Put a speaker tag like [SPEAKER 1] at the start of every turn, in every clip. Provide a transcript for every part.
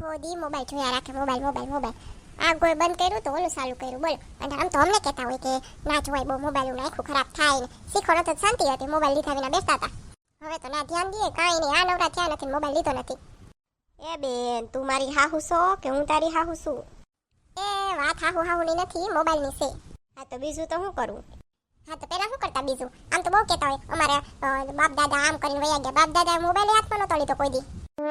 [SPEAKER 1] આખો દી મોબાઈલ જોયા રાખે, મોબાઈલ મોબાઈલ મોબાઈલ. આ કોઈ બંધ કર્યું તો ઓલું ચાલુ કર્યું, બોલો. અને આમ તો અમને કહેતા હોય કે ના જોવાય બહુ મોબાઈલ, આખું ખરાબ થાય ને. શીખો નતો શાંતિ હતી, મોબાઈલ લીધા વિના બેસતા હતા. હવે તો ના ધ્યાન દઈએ, કાંઈ નહીં. આ નવરા થયા નથી, મોબાઈલ લીધો નથી.
[SPEAKER 2] એ બેન, તું મારી હાહુ છો કે હું તારી હાહુ છું?
[SPEAKER 1] એ વાત હાહુ હાહુની નથી, મોબાઈલની છે.
[SPEAKER 2] હા તો બીજું તો શું કરું?
[SPEAKER 1] હા તો પેલા શું કરતા બીજું? આમ તો બહુ કહેતા હોય અમારા બાપ દાદા આમ કરીને વયા ગયા. બાપ દાદા મોબાઈલ હાથમાં નતો લીધો કોઈ દી.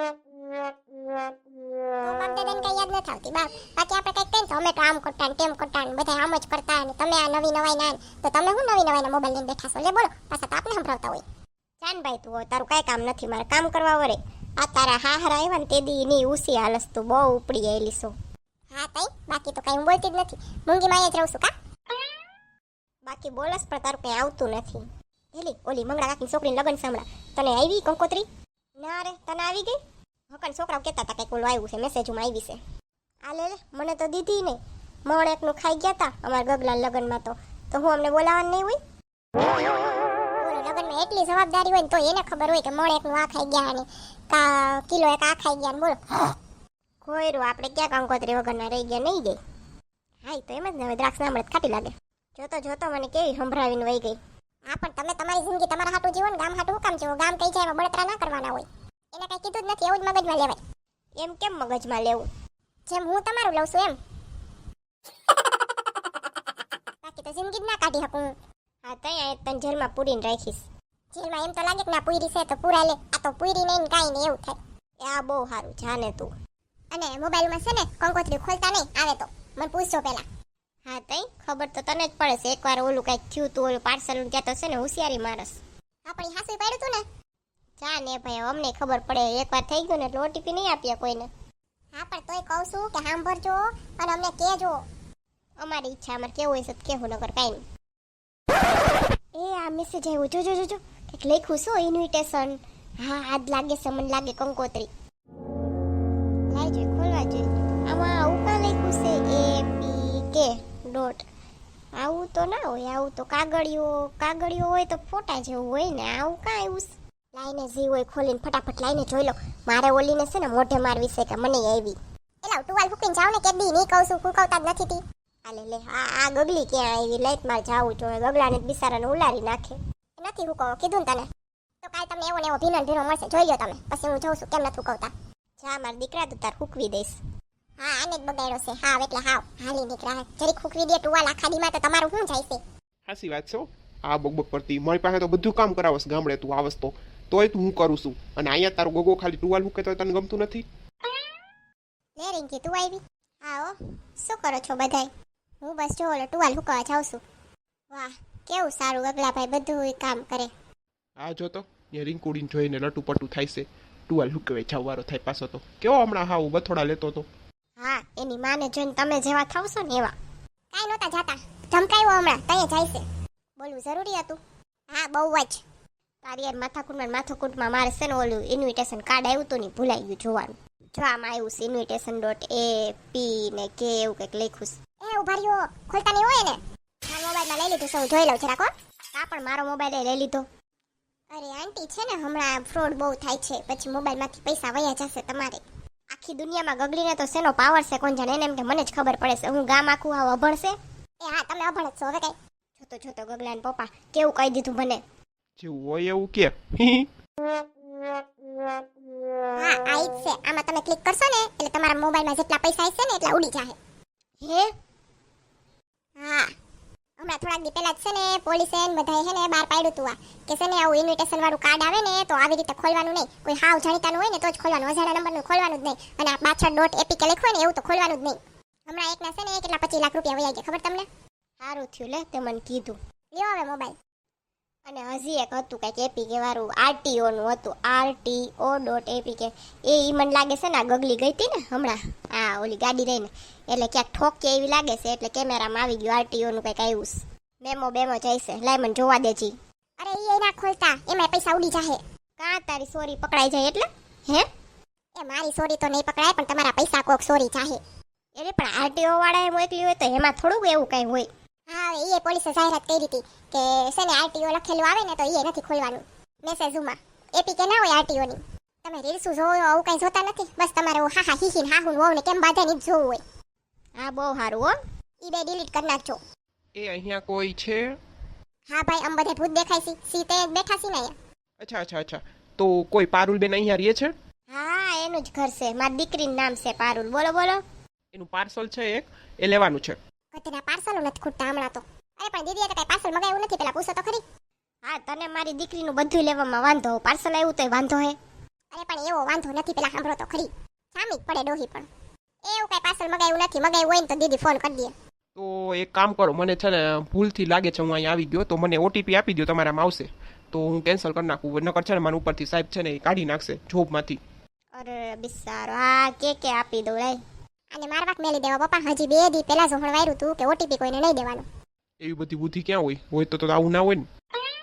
[SPEAKER 1] તો બાપ દાદાને કઈ યાદ નથી આવતી. બાકી આપણે કઈક કહીએ તો અમે તો આમ કરતા ને તેમ કરતા ને બધા આમ જ કરતા ને તમે આ નવી નવાઈ ના. તો તમે શું નવી નવાઈ મોબાઈલ લઈને બેઠા છો? લે બોલો, પાછા તો આપણે સંભળાવતા હોય.
[SPEAKER 2] ચાન ભાઈ, તું તારું કઈ કામ નથી, મારે કામ કરવા વળે. આ તારા હાહરા આવ્યા ને તે દી ની ઉસી હાલસ, તું બહુ ઉપડી આવેલી છો.
[SPEAKER 1] હા તઈ બાકી તો કઈ હું બોલતી જ નથી, મૂંગી માં જ રહું છું. કા
[SPEAKER 2] બાકી બોલસ પણ તારું કઈ આવતું નથી. એલી ઓલી મંગળા કાકીની છોકરીને લગન સાંભળા, તને આવી કંકોત્રી? ના રે, તને આવી ગઈ? હકન છોકરાઓ કહેતા હતા કંઈક ઓલું આવ્યું છે, મેસેજમાં આવી છે. આ લે મને તો દીધી નહીં. મોણ એકનું ખાઈ ગયા હતા અમારા ગગલા લગનમાં. તો હું અમને બોલાવવાનું નહીં હોય?
[SPEAKER 1] લગનમાં એટલી જવાબદારી હોય ને તો એને ખબર હોય કે મોણ એકનું આ ખાઈ ગયા ને કા કિલો એક આ ખાઈ ગયા ને. બોલો
[SPEAKER 2] ખોયરું, આપણે ક્યાં કંકોત્રી વગરના રહી ગયા નહીં ગઈ. હા તો એમ જ ને, હવે દ્રાક્ષ ના મળે ખાટી લાગે. જોતો જોતો મને કેવી સંભળાવીને વહી ગઈ.
[SPEAKER 1] હા પણ તમે તમારી જિંદગી તમારા હાટું જીવો ને, ગામ હાટું હું કામ જીવો? ગામ કઈ જાય એમાં બળતરા ના કરવાના હોય. એને કઈ કીધું જ નથી, એવું જ મગજમાં લેવાય.
[SPEAKER 2] એમ કેમ મગજમાં લેવું?
[SPEAKER 1] જેમ હું તમારું લઉં છું એમ. બાકી તો જિંદગી જ ના કાઢી શકું.
[SPEAKER 2] હા તઈ તને જેલમાં પૂરીને રાખીશ.
[SPEAKER 1] જેલમાં એમ તો લાગે કે ના પૂરી છે તો પૂરા લે, આ તો પૂરી નહીં કાંઈ નહીં એવું થાય.
[SPEAKER 2] એ આ બહુ સારું, જાને તું.
[SPEAKER 1] અને મોબાઈલમાં છે ને કંકોત્રી ખોલતા નહીં આવે તો મને પૂછજો પહેલા.
[SPEAKER 2] હા તઈ ખબર તો તને જ પડે છે. એકવાર ઓલું કઈક થયું તું, ઓલું પાર્સલ ત્યાં તો છે ને હોશિયારી મારસ.
[SPEAKER 1] આપણી હાસુ પાડ્યું તું ને.
[SPEAKER 2] જા ને ભાઈ, અમને ખબર પડે. એકવાર થઈ ગયું ને એટલે ઓટીપી નહીં આપીએ કોઈને.
[SPEAKER 1] હા પણ તોય કહું છું કે સાંભળજો અને અમને કહેજો.
[SPEAKER 2] અમારી ઈચ્છા, અમારે કેવું હોય છે તો કેવું, નગર કાંઈ નહીં. એ આ મેસેજ આવ્યો, જોજો જોજો, કંઈક લખ્યું શું ઇન્વિટેશન. હા આજ લાગે છે, મને લાગે કંકોત્રી. લાઈ જોઈએ, ખોલવા જોઈએ. આમાં આવું કાં લખ્યું છે? APK dot. આવું તો ના હોય, આવું તો કાગળિયો હોય તો ફોટા જેવું હોય ને. આવું કાં આવ્યું છે? લાઈને જી હોય ખોલીને ફટાફટ લાઈને જોઈ લો. મારે ઓલીને છે ને મોઢે મારવી છે કે મને આવી.
[SPEAKER 1] એલા ટુવાલ ફૂકીને જાવ ને કે દી નહીં કહું છું, ફૂકવતા જ નથી તી.
[SPEAKER 2] આલે લે, આ ગગલી ક્યાં આવી? લાઈટ માર જાવું જોઈએ, ગગલાને બિચારાને ઉલારી નાખે.
[SPEAKER 1] નથી ફૂકવો, કીધું ને તને. તો કાલ તમને એવો ને એવો ભીનો મળશે, જોઈ લો તમે. પછી હું જોઉં છું કેમ નથી ફૂકવતા.
[SPEAKER 2] જા મારા દીકરા, તું તાર ફૂકવી દઈશ.
[SPEAKER 1] હા આને જ બગાડ્યો છે. હા એટલે હાવ હાલી નીકળ્યા. જરીક ફૂકવી દે ટુવાલ આખા દીમાં તો તમારું શું જાય છે?
[SPEAKER 3] હાસી વાત છે હો. આ બકબક કરતી મારી પાસે તો બધું કામ કરાવસ ગામડે, તું આવસ તો તોય તું હું કરું છું. અને અહીંયા તારો ગોગો ખાલી ટુવાલ મૂકે તો તને ગમતું નથી?
[SPEAKER 1] લે રિંકી તું આવી? હા હો. શું કરો છો બધાય? હું બસ જો ઓલો ટુવાલ ફૂકવા જાઉં છું. વાહ કેવું સારું, ગગલાભાઈ બધું કામ કરે.
[SPEAKER 3] આ જો તો એ રીંકુડીને જોઈને લટુ પટુ થાય છે. ટુવાલ હુકવે જવારો થાય પાછો તો. કેવો હમણાં હાવ બથોડા લેતો તો.
[SPEAKER 2] હા એની માને જોઈને તમે જેવા થાવશો ને એવા.
[SPEAKER 1] કાંઈ નહોતા જાતા, ધમકાયો હમણાં તઈએ જાય છે. બોલવું જરૂરી હતું? હા બહુ જ.
[SPEAKER 2] તારી યાર માથાકૂટમાં મારે છે ને ઓલું ઇન્વિટેશન કાર્ડ આવ્યું હતું ને ભૂલાઈ ગયું જોવાનું. જો આમાં આવ્યું છે ઇન્વિટેશન ડોટ AP ને કે એવું કંઈક લખ્યું છે.
[SPEAKER 1] એ ઉભા રહ્યો, ખોલતા નહીં હોય ને. મારા મોબાઈલમાં લઈ લીધું સૌ જોઈ લઉં જરાક હો.
[SPEAKER 2] હા પણ મારો મોબાઈલ લઈ લીધો.
[SPEAKER 1] અરે આંટી છે ને હમણાં ફ્રોડ બહુ થાય છે, પછી મોબાઈલમાંથી પૈસા વયા જશે તમારે.
[SPEAKER 2] આખી દુનિયામાં ગગલીને તો શેનો પાવર છે કોણ જાણે. એને એમ કે મને જ ખબર પડે છે, હું ગામ આખું આવ અભણ છે.
[SPEAKER 1] એ હા તમે અભણ જ છો હવે કઈ.
[SPEAKER 2] જોતો ગગલાને પપ્પા કેવું કહી દીધું મને.
[SPEAKER 3] જેવું હોય એવું કે.
[SPEAKER 1] હા આ જ છે. આમાં તમે ક્લિક કરશો ને એટલે તમારા મોબાઈલમાં જેટલા પૈસા હશે ને એટલા ઉડી જાહે.
[SPEAKER 2] હે
[SPEAKER 1] હા હમણાં થોડાક દી પહેલા જ છે ને પોલીસે બધાએ છે ને બહાર પાડ્યું હતું આ કે છે ને આવું ઇન્વિટેશન વાળું કાર્ડ આવે ને તો આવી રીતે ખોલવાનું નહીં. કોઈ હાવ જાણીતાનું હોય ને તો જ ખોલવાનું, અજાણ્યા નંબરનું ખોલવાનું જ નહીં. અને આ પાછળ ડોટ APK લખ્યું હોય ને એવું તો ખોલવાનું જ નહીં. હમણાં એકના છે ને કેટલા 25 લાખ રૂપિયા વયા ગયા ખબર તમને?
[SPEAKER 2] સારું થયું લે તે મને કીધું.
[SPEAKER 1] લ્યો હવે મોબાઈલ.
[SPEAKER 2] અને હજી એક હતું કંઈક APK વાળું, RTO નું હતું, RTO.APK. એ મને લાગે છે ને આ ગગલી ગઈ હતી ને હમણાં આ ઓલી ગાડી લઈને, એટલે ક્યાંક ઠોકીએ એવી લાગે છે, એટલે કેમેરામાં આવી ગયું RTO નું કંઈક આવ્યું છે. મેમો જાય છે, લાય મને જોવા દેજી.
[SPEAKER 1] અરે એ ના ખોલતા, એમાં પૈસા ઉડી જાહે.
[SPEAKER 2] કાં તારી સોરી પકડાઈ જાય એટલે? હે
[SPEAKER 1] એ મારી સોરી તો નહીં પકડાય પણ તમારા પૈસા કોક સોરી જાહે.
[SPEAKER 2] એટલે પણ RTO વાળા એ મોકલી હોય તો એમાં થોડુંક એવું કંઈ હોય.
[SPEAKER 1] હા એ પોલીસે જાહેરાત કરી હતી કે છે ને RTO લખેલું આવે ને તો એ નથી ખોલવાનું મેસેજમાં. APK ના હોય RTO ની. તમે રીલ્સ જોવો આવું કઈ જોતા નથી, બસ તમારે હા હા હી હા હું વહુ ને કેમ બાધા નહીં જોવું હોય.
[SPEAKER 2] હા બહુ સારું હો.
[SPEAKER 1] ઈ બે ડિલીટ કરી નાખજો.
[SPEAKER 3] એ અહીંયા કોઈ છે?
[SPEAKER 1] હા ભાઈ આમ બધે ભૂત દેખાય છે, સીતે બેઠા છે ને અહીંયા.
[SPEAKER 3] અચ્છા. તો કોઈ પારુલબેન અહીંયા રહે છે?
[SPEAKER 2] હા એનું જ ઘર છે, મારી દીકરીનું નામ છે પારુલ. બોલો.
[SPEAKER 3] એનું પાર્સલ છે એક, એ લેવાનું છે.
[SPEAKER 1] કતેના પાર્સલો નથી ખૂટતા હમણાં તો. અરે પણ દીદીએ તો કઈ પાર્સલ મગાવ્યું નથી, પેલા પૂછો તો ખરી.
[SPEAKER 2] હા તને મારી દીકરીનું બધું લેવામાં વાંધો, પાર્સલ આવ્યું તોય વાંધો હે.
[SPEAKER 1] અરે પણ એવો વાંધો નથી, પેલા સાંભળો તો ખરી. સામી જ પડે ડોહી પણ. એવું કઈ પાર્સલ મગાવ્યું નથી, મગાવ્યું હોય ને તો દીદી ફોન કરી દે.
[SPEAKER 3] તો એક કામ કરો, મને છે ને ભૂલથી લાગે છે હું અહીંયા આવી ગયો, તો મને ઓટીપી આપી દો, તમારામાં આવશે તો હું કેન્સલ કરી નાખું. નકર છે ને મારા ઉપરથી સાહેબ છે ને એ કાઢી નાખશે જોબમાંથી.
[SPEAKER 2] અરે બિસારો, હા કે આપી દઉં લે.
[SPEAKER 1] અને મારવાક મેલી દેવા પપ્પા, હજી 2 દી પહેલા જ હળવાયું તું કે ઓટીપી કોઈને નહીં દેવાનું.
[SPEAKER 3] એવી બધી બુદ્ધિ ક્યાં હોય તો આવું ના હોય ને.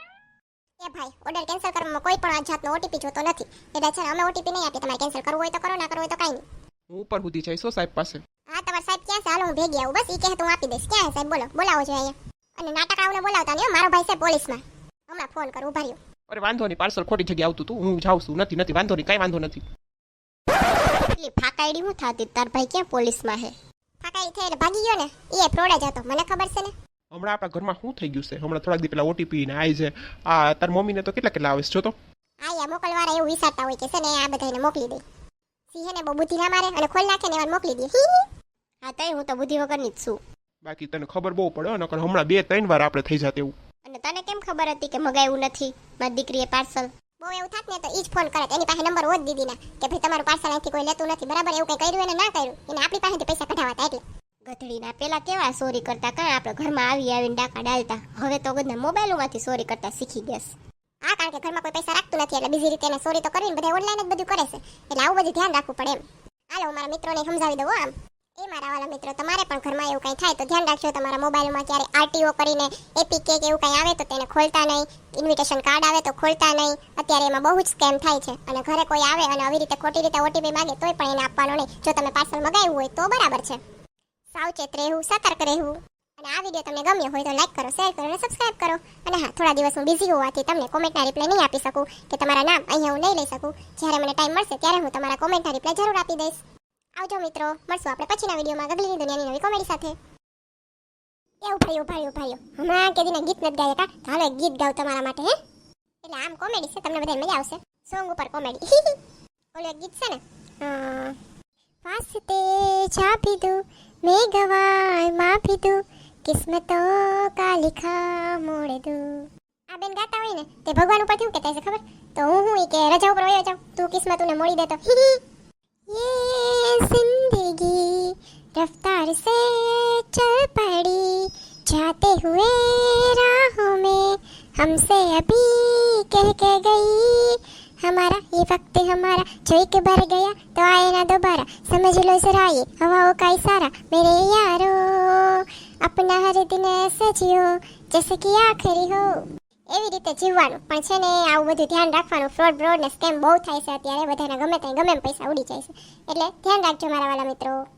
[SPEAKER 1] એ ભાઈ ઓર્ડર કેન્સલ કરવામાં કોઈ પણ આ જાતનો ઓટીપી જોતો નથી, એટલે છે ને અમે ઓટીપી નહીં આપી. તમારે કેન્સલ કરવું હોય તો કરો, ના કરવું હોય તો કાંઈ નહીં.
[SPEAKER 3] હું ઉપર સુધી જઈશો સાહેબ પાસે.
[SPEAKER 1] હા તમારા સાહેબ ક્યાં છે? હાલો હું ભેગી આવું, બસ ઈ કહે તો હું આપી દઈશ. ક્યાં છે સાહેબ? બોલાવો છો અહીંયા. અને નાટક આવને બોલાવતા નહીં, મારો ભાઈ છે પોલીસમાં. હમણાં ફોન કરું, ઉભા રહ્યો.
[SPEAKER 3] અરે વાંધો નહીં, પાર્સલ ખોટી જગ્યાએ આવતું હતું, હું જાઉં છું. નથી વાંધો નહીં, કાંઈ વાંધો નથી.
[SPEAKER 2] એટલી ફાકાઈડી હું થાતી, તાર ભાઈ ક્યાં પોલીસમાં હે?
[SPEAKER 1] ફાકાઈ થઈ એટલે ભાગી ગયો ને, એ ફ્રોડ જ હતો, મને ખબર છે ને.
[SPEAKER 3] હમણાં આપણા ઘરમાં શું થઈ ગયું છે? હમણાં થોડાક દી પેલા ઓટીપી ને આવી છે. આ તાર મમ્મીને તો કેટલા આવે છે જો તો.
[SPEAKER 1] આ મોકલવાળા એવું વિચારતા હોય કે છે ને આ બધાને મોકલી દે. સિંહે ને બહુ બુદ્ધિ ના મારે અને ખોલ નાખે ને એવા મોકલી દે.
[SPEAKER 2] હા તઈ હું તો બુદ્ધિ વગરની જ છું.
[SPEAKER 3] બાકી તને ખબર બહુ પડે, નકર હમણાં 2-3 વાર આપણે થઈ જાત એવું.
[SPEAKER 2] અને તને કેમ ખબર હતી કે મગાવ્યું નથી મારી દીકરીએ પાર્સલ?
[SPEAKER 1] બહુ એવું થાત ને તો ઈ જ ફોન કરે, એની પાસે નંબર હોત દીદીના કે ભાઈ તમારું પાર્સલ અહીંથી કોઈ લેતું નથી, બરાબર? એવું કઈ કર્યું એને ના કર્યું, એને આપણી પાસેથી પૈસા કઢાવાતા એટલે.
[SPEAKER 2] ગધડીના પેલા કેવા ચોરી કરતા, કાં આપણે ઘરમાં આવીને ડાકા ડાલતા, હવે તો બધા મોબાઈલોમાંથી ચોરી કરતા શીખી ગયા.
[SPEAKER 1] હા કારણ કે ઘરમાં કોઈ પૈસા રાખતું નથી એટલે બીજી રીતે એને ચોરી તો કરવી ને, બધા ઓનલાઈન જ બધું કરે છે, એટલે આવું બધું ધ્યાન રાખવું પડે એમ. હાલો હું મારા મિત્રોને સમજાવી દઉં. આમ એ મારા વાલા મિત્રો, તમારે પણ ઘરમાં એવું કંઈ થાય તો ધ્યાન રાખજો, તમારા મોબાઈલમાં ક્યારે આરટીઓ કરીને એપીકે કે એવું કંઈ આવે તો તેને ખોલતા નહીં, ઇન્વિટેશન કાર્ડ આવે તો ખોલતા નહીં. અત્યારે એમાં બહુ જ સ્કેમ થાય છે, અને ઘરે કોઈ આવે અને આવી રીતે ખોટી રીતે ઓટીપી માંગે તોય પણ એને આપવાનો નહીં. જો તમે પાર્સલ મગાવ્યું હોય તો બરાબર છે. સાવચેત રહેવું, સતર્ક રહેવું. અને આ વિડીયો તમને ગમ્યો હોય તો લાઈક કરો, શેર કરો અને સબસ્ક્રાઇબ કરો. અને હા, થોડા દિવસ હું બિઝી હોવાથી તમને કોમેન્ટના રિપ્લાય નહીં આપી શકું કે તમારા નામ અહીંયા હું નહીં લઈ શકું. જ્યારે મને ટાઈમ મળશે ત્યારે હું તમારા કોમેન્ટના રિપ્લાય જરૂર આપી દઈશ. આવજો મિત્રો, મળશું આપણે પછીના વિડીયોમાં ગગલીની દુનિયાની નવી કોમેડી સાથે. એ ઉભાર્યો હમણાં કે દીના ગીત નથી ગાયા કા? હાલો એક ગીત ગાવ તમારા માટે. હે એટલે આમ કોમેડી છે, તમને બધાને મજા આવશે. સોંગ ઉપર કોમેડી. ઓલું એક ગીત છે ને, વાસ્તે છાપી દઉં મેં ગવાય માફી દઉં, કિસ્મતો કા લિખા મોડ દઉં. આ બેન ગાતા હોય ને તે ભગવાન ઉપર કેવું કહેતા છે ખબર? તો હું કે રજા ઉપર વયો જાઉં, તું કિસ્મતને મોડી દેતો. ये जिंदगी रफ्तार से चल पड़ी, जाते हुए राहों में हमसे अभी कह के गई, हमारा ये वक्त हमारा जो एक बार गया तो आए ना दोबारा, समझ लो जरा ये हवाओं का इशारा, मेरे यारो अपना हर दिन ऐसे जियो जैसे कि आखिरी हो. એવી રીતે જીવવાનું. પણ છે ને આવું બધું ધ્યાન રાખવાનું, ફ્રોડ ને સ્કેમ બહુ થાય છે અત્યારે, બધાના ગમે ત્યાં ગમે એમ પૈસા ઉડી જાય છે, એટલે ધ્યાન રાખજો મારા વાલા મિત્રો.